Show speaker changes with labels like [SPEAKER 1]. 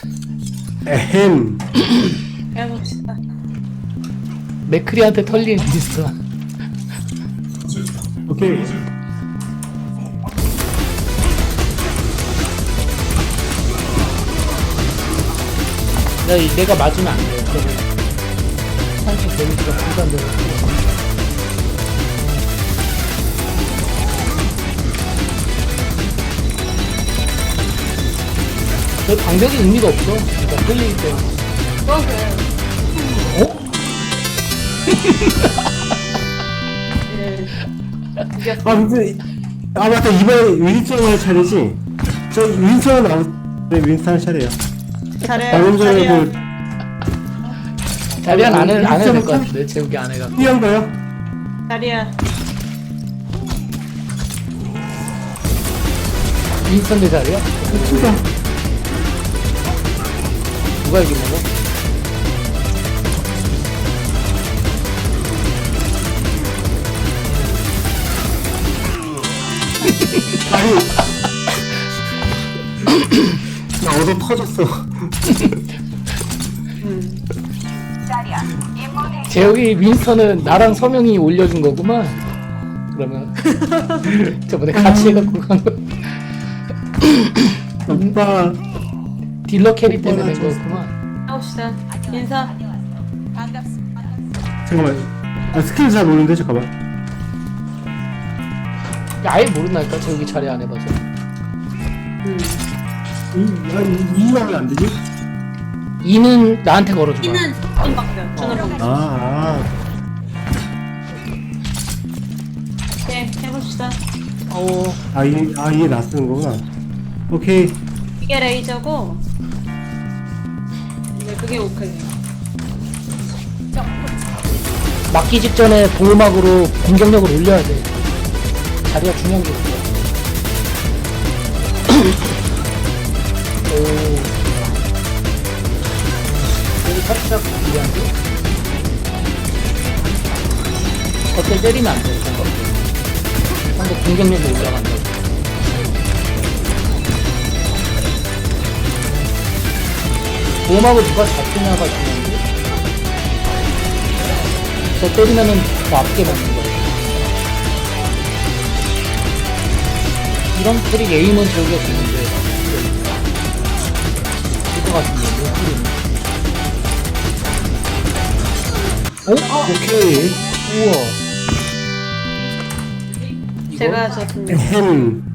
[SPEAKER 1] 에헴.
[SPEAKER 2] 해봅시다.
[SPEAKER 3] 맥크리한테 털린 윈스턴.
[SPEAKER 1] 오케이.
[SPEAKER 3] 내가 맞으면 안 돼. 그러면 상식 데미지가 분산되고. 그 방벽이 의미가 없어. 그러니까 끌리기 때문에.
[SPEAKER 2] 그거는
[SPEAKER 3] 어?
[SPEAKER 2] 이겼어.
[SPEAKER 1] 아 근데 맞다, 이번에 윈스턴 차례지. 저 윈스턴 윈스턴 차례야.
[SPEAKER 2] 잘해.
[SPEAKER 1] 방금 전에
[SPEAKER 2] 잘해.
[SPEAKER 1] 그
[SPEAKER 3] 자리안 안 해도 될 것
[SPEAKER 1] 윈스턴
[SPEAKER 3] 같은데. 재욱이 안 해갖고.
[SPEAKER 1] 띄한 거요?
[SPEAKER 2] 자리야.
[SPEAKER 3] 윈스턴 대 자리야?
[SPEAKER 1] 진짜.
[SPEAKER 3] 누가 이기는 거?
[SPEAKER 1] 아니. 나 얻어 터졌어.
[SPEAKER 3] 재욱이 윈스턴은 나랑 서명이 올려준 거구만. 그러면 저번에 같이 해갖고 간 거.
[SPEAKER 1] 오빠.
[SPEAKER 3] 딜러 캐리 때문에 된 거였구만.
[SPEAKER 2] 해봅시다. 인사.
[SPEAKER 1] 잠깐만. 아 스킬 잘 모르는데 잠깐만.
[SPEAKER 3] 아예 모른다니까. 재욱이 차례 안 해봐서.
[SPEAKER 1] 이하면 안 되지?
[SPEAKER 3] 2는 나한테 걸어줘봐.
[SPEAKER 2] T는 주는 방법. 주는 방법.
[SPEAKER 1] 아.
[SPEAKER 2] 오케이. 해봅시다.
[SPEAKER 1] 이게 나 쓰는 거구나. 오케이.
[SPEAKER 2] 이게 레이저고. 네, 그게 오크예요.
[SPEAKER 3] 막기 직전에 보호막으로 공격력을 올려야 돼. 자리가 중요한 게 있어. 오. 여기 살짝 미안해. 겉에 때리면 안 돼. 상대 공격력이 올라간다. 보호막을 누가 잡히냐가 중요한데. 저 때리면은 더 앞게 맞는 거야. 이런 트릭 에임은 저기가 좋은데 이거 같은데 못 뿌리네.
[SPEAKER 1] 오케이.
[SPEAKER 3] 우와.
[SPEAKER 2] 제가 졌습니다.
[SPEAKER 1] 햄.